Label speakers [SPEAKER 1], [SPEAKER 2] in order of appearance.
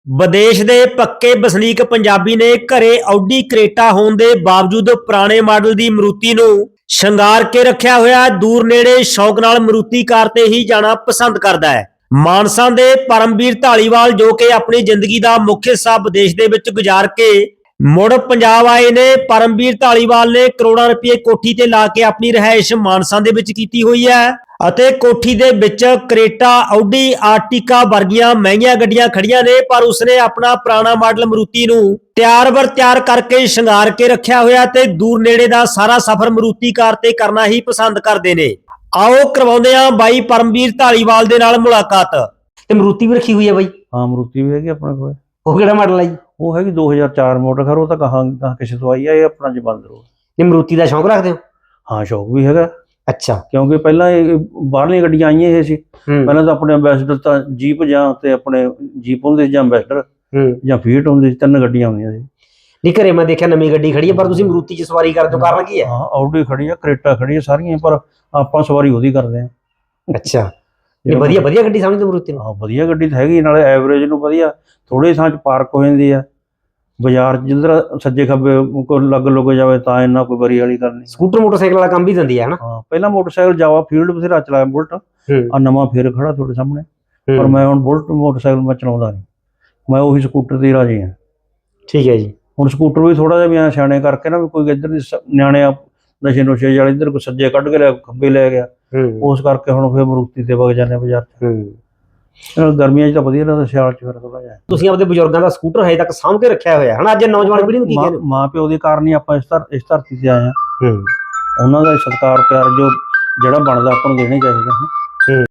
[SPEAKER 1] ਵਿਦੇਸ਼ ਦੇ ਪੱਕੇ ਵਸਨੀਕ ਪੰਜਾਬੀ ਨੇ ਘਰੇ ਆਡੀ ਕਰੇਟਾ ਹੋਣ ਦੇ ਬਾਵਜੂਦ ਪੁਰਾਣੇ ਮਾਡਲ ਦੀ ਮਰੂਤੀ ਨੂੰ ਸ਼ਿੰਗਾਰ ਕੇ ਰੱਖਿਆ ਹੋਇਆ ਦੂਰ ਨੇੜੇ ਸ਼ੌਕ ਨਾਲ ਮਰੂਤੀ ਕਾਰ ਤੇ ਹੀ ਜਾਣਾ ਪਸੰਦ ਕਰਦਾ ਹੈ। ਮਾਨਸਾ ਦੇ ਪਰਮਵੀਰ ਢਾਲੀਵਾਲ ਜੋ ਕਿ ਆਪਣੀ ਜ਼ਿੰਦਗੀ ਦਾ ਮੁੱਖ ਹਿੱਸਾ ਵਿਦੇਸ਼ ਦੇ ਵਿੱਚ ਗੁਜ਼ਾਰ ਕੇ ਮੁੜ ਪੰਜਾਬ ਆਏ ਨੇ। ਪਰਮਵੀਰ ਢਾਲੀਵਾਲ ਨੇ ਕਰੋੜਾਂ ਰੁਪਏ ਕੋਠੀ ਤੇ ਲਾ ਕੇ ਆਪਣੀ ਰਿਹਾਇਸ਼ ਮਾਨਸਾ ਦੇ ਵਿੱਚ ਕੀਤੀ ਹੋਈ ਹੈ ਅਤੇ ਕੋਠੀ ਦੇ ਵਿੱਚ ਕਰੇਟਾ, ਆਡੀ, ਆਰਟਿਕਾ ਵਰਗੀਆਂ ਮਹਿੰਗੀਆਂ ਗੱਡੀਆਂ ਖੜੀਆਂ ਨੇ, ਪਰ ਉਸਨੇ ਆਪਣਾ ਪੁਰਾਣਾ ਮਾਡਲ ਮਰੂਤੀ ਨੂੰ ਤਿਆਰ ਕਰਕੇ ਸ਼ਿੰਗਾਰ ਕੇ ਰੱਖਿਆ ਹੋਇਆ ਤੇ ਦੂਰ ਨੇੜੇ ਦਾ ਸਾਰਾ ਸਫ਼ਰ ਮਰੂਤੀ ਕਾਰ ਤੇ ਕਰਨਾ ਹੀ ਪਸੰਦ ਕਰਦੇ ਨੇ। ਆਓ ਕਰਵਾਉਂਦੇ ਆ ਬਾਈ ਪਰਮਵੀਰ ਢਾਲੀਵਾਲ ਦੇ ਨਾਲ ਮੁਲਾਕਾਤ। ਤੇ ਮਰੂਤੀ ਵੀ ਰੱਖੀ ਹੋਈ ਹੈ ਬਾਈ?
[SPEAKER 2] ਹਾਂ, ਮਰੂਤੀ ਵੀ ਹੈਗੀ ਆਪਣੇ ਕੋਲ।
[SPEAKER 1] ਉਹ ਕਿਹੜਾ ਮਾਡਲ ਹੈ ਜੀ?
[SPEAKER 2] ਉਹ ਹੈਗੀ 2004 ਮਾਡਲ। ਖਰ ਉਹ ਤਾਂ ਕਹਾਂ ਕਿਸੇ ਤੋਂ ਆਈ ਆ, ਇਹ ਆਪਣਾ ਜਬੰਦਰ।
[SPEAKER 1] ਇਹ ਮਰੂਤੀ ਦਾ ਸ਼ੌਂਕ ਰੱਖਦੇ ਹੋ?
[SPEAKER 2] ਹਾਂ, ਸ਼ੌਕ ਵੀ ਹੈਗਾ।
[SPEAKER 1] ਅੱਛਾ।
[SPEAKER 2] ਕਿਉਂਕਿ ਪਹਿਲਾਂ ਇਹ ਬਾਹਰਲੀਆਂ ਗੱਡੀਆਂ ਆਈਆਂ ਇਹ ਸੀ। ਪਹਿਲਾਂ ਤਾਂ ਆਪਣੇ ਅੰਬੈਸਡਰ ਤਾਂ ਜੀਪ ਜਾਂ ਤੇ ਆਪਣੇ ਜੀਪ ਹੁੰਦੇ ਸੀ ਜਾਂ ਅੰਬੈਸਡਰ ਜਾਂ ਫੀਟ ਹੁੰਦੀ ਸੀ, 3 ਗੱਡੀਆਂ ਹੁੰਦੀਆਂ ਸੀ।
[SPEAKER 1] ਨਹੀਂ, ਘਰੇ ਮੈਂ ਦੇਖਿਆ ਨਵੀਂ ਗੱਡੀ ਖੜੀ ਹੈ, ਪਰ ਤੁਸੀਂ ਮਰੂਤੀ 'ਚ ਸਵਾਰੀ ਕਰਦੇ ਹੋ, ਕਾਰਨ ਕੀ ਹੈ?
[SPEAKER 2] ਹਾਂ, ਆਡੀ ਖੜੀ ਆ, ਕਰੇਟਾ ਖੜੀ ਆ, ਸਾਰੀਆਂ, ਪਰ ਆਪਾਂ ਸਵਾਰੀ ਉਹਦੀ ਕਰਦੇ ਆ।
[SPEAKER 1] ਅੱਛਾ। ਇਹ ਵਧੀਆ ਗੱਡੀ ਸਮਝਦੇ ਮਰੂਤੀ ਨੂੰ?
[SPEAKER 2] ਹਾਂ, ਵਧੀਆ ਗੱਡੀ ਤਾਂ ਹੈਗੀ, ਨਾਲੇ ਐਵਰੇਜ ਨੂੰ ਵਧੀਆ, ਥੋੜੇ ਥਾਂ 'ਚ ਪਾਰਕ ਹੋ ਜਾਂਦੀ ਆ। ਬਾਜ਼ਾਰ ਜਿੱਧਰ ਸੱਜੇ ਖੱਬੇ ਕੋਈ ਲੱਗ ਜਾਵੇ ਤਾਂ ਇੰਨਾ ਕੋਈ ਬਰੀ ਵਾਲੀ ਗੱਲ ਨਹੀਂ।
[SPEAKER 1] ਸਕੂਟਰ ਮੋਟਰਸਾਈਕਲ ਵਾਲਾ ਕੰਮ ਵੀ ਦਿੰਦੀ ਹੈ ਨਾ?
[SPEAKER 2] ਹਾਂ, ਪਹਿਲਾਂ ਮੋਟਰਸਾਈਕਲ ਜਾਵਾ ਫੀਲਡ ਬਥੇਰਾ ਚਲਾਇਆ, ਬੁਲਟ ਆ ਨਵਾਂ ਫੇਰ ਖੜਾ ਤੁਹਾਡੇ ਸਾਹਮਣੇ। ਪਰ ਮੈਂ ਹੁਣ ਬੁਲਟ ਮੋਟਰਸਾਈਕਲ ਮੈਂ ਚਲਾਉਂਦਾ ਨਹੀਂ, ਮੈਂ ਉਹੀ ਸਕੂਟਰ ਤੇ ਰਾਜੀ ਹਾਂ।
[SPEAKER 1] ਠੀਕ ਹੈ ਜੀ। ਹੁਣ
[SPEAKER 2] ਸਕੂਟਰ ਵੀ ਥੋੜਾ ਜਿਹਾ ਵੀ ਸਿਆਣੇ ਕਰਕੇ ਨਾ, ਵੀ ਕੋਈ ਇੱਧਰ ਦੀ ਨਿਆਣੇ ਨਸ਼ੇ ਨੁਸ਼ੇ ਵਾਲੇ ਇੱਧਰ ਕੋਈ ਸੱਜੇ ਕੱਢ ਕੇ ਲਿਆ, ਖੱਬੇ ਲੈ ਗਿਆ, ਉਸ ਕਰਕੇ ਹੁਣ ਫਿਰ ਮਰੂਤੀ ਤੇ ਵਗ ਜਾਂਦੇ ਬਾਜ਼ਾਰ 'ਚ। ਗਰਮੀਆਂ 'ਚ ਤਾਂ ਵਧੀਆ ਲੱਗਦਾ, ਸਿਆਲ 'ਚ ਫਿਰ ਥੋੜਾ ਜਿਹਾ।
[SPEAKER 1] ਤੁਸੀਂ ਆਪਣੇ ਬਜ਼ੁਰਗਾਂ ਦਾ ਸਕੂਟਰ ਹਜੇ ਤੱਕ ਸਾਂਭ ਕੇ ਰੱਖਿਆ ਹੋਇਆ ਹੈ ਨਾ? ਅੱਜ ਨੌਜਵਾਨ ਪੀੜ੍ਹੀ ਨੂੰ ਕੀ ਕਹਿੰਦੇ?
[SPEAKER 2] ਮਾਂ ਪਿਓ ਦੇ ਕਾਰਨ ਹੀ ਆਪਾਂ ਇਸ ਧਰਤੀ ਤੇ ਆਏ ਹਾਂ। ਉਹਨਾਂ ਦਾ ਸਤਿਕਾਰ ਪਿਆਰ ਜਿਹੜਾ ਬਣਦਾ ਆਪਾਂ ਨੂੰ ਦੇਣਾ ਚਾਹੀਦਾ ਹੈ।